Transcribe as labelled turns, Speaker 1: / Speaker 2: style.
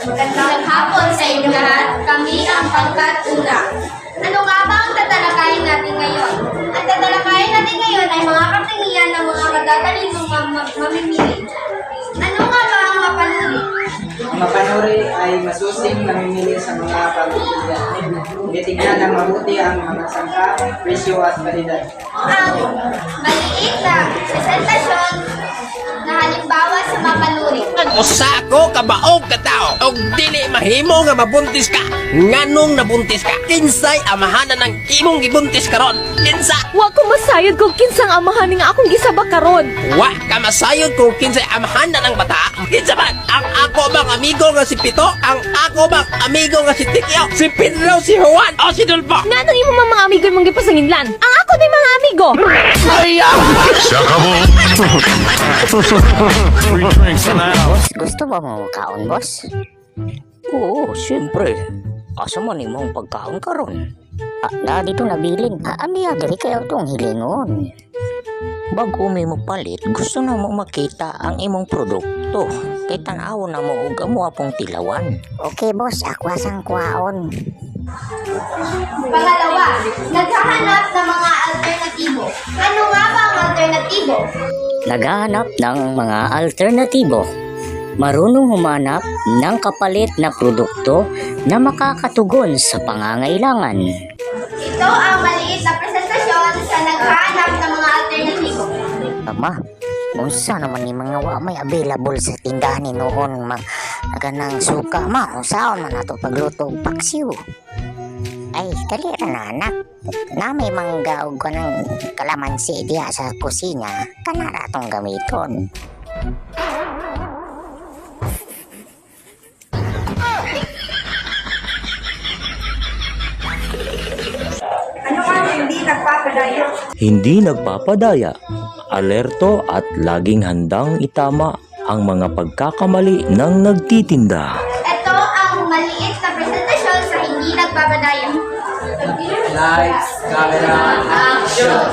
Speaker 1: Magandang hapon sa inyo lahat. Kami ang Pangkat Una. Ano nga ba ang tatalakayin natin ngayon? Ang tatalakayin natin ngayon ay mga katangian ng mga magagaling mamimili. Ano nga ba ang mapanuri?
Speaker 2: Ang mapanuri ay masusing namimili sa mga pagpipilian. Titignan ng mabuti ang mga sangka, presyo at kalidad.
Speaker 1: Ang maliit na presentasyon na halimbawa sa mapanuri.
Speaker 3: Usa ko kabaog ka tao og dili mahimo nga mabuntis ka. Nganong nabuntis ka? Kinsay amahanan ng imong gibuntis karon? Kinsa?
Speaker 4: Wa ko masayod kung kinsang amahan nga akong gisabak karon.
Speaker 3: Wa ka masayod kung kinsay amahanan ng bata. Kinsa man? Ang ako bang amigo nga si Pito? Ang ako bang amigo nga si Tikyo? Si Pedro, si Juan o si Dulpo?
Speaker 4: Nganong imo mga amigo mong gipasanginlan? Ang ako din mga amigo.
Speaker 3: Maria!
Speaker 5: Free drinks in the house.
Speaker 6: Gusto ba mo kaon, boss?
Speaker 7: Oo, siyempre. Asa man imong pagkaon karon?
Speaker 6: Na dito nabilin. Aniya, diri kayo itong hilingon.
Speaker 7: Bago mi mo palit, gusto na mo makita ang imong produkto. Kay tan-aw na mo og amo apong tilawan.
Speaker 6: Okay, boss. Ako asang kuhaon.
Speaker 1: Pangalawa, naghahanap ng mga alternatibo. Ano nga ba ang alternatibo?
Speaker 6: Naghahanap ng mga alternatibo. Marunong humanap ng kapalit na produkto na makakatugon sa pangangailangan.
Speaker 1: Ito ang maliit na presentasyon sa naghahanap ng mga alternatibo.
Speaker 6: Ama, unsa naman ni mga wa may available sa tindahan ni noon ganang suka ma, unsaon man ato pagluto og paksiw. Ay, dali ra na anak. Na may mangga og kanang kalamansi diha sa kusina, kana ra tong gamiton.
Speaker 1: Ano ang hindi nagpapadaya?
Speaker 5: Hindi nagpapadaya, alerto at laging handang itama ang mga pagkakamali ng nagtitinda.
Speaker 1: Ito ang maliit na presentasyon sa hindi nagpapadaya.
Speaker 2: Lights, camera, action!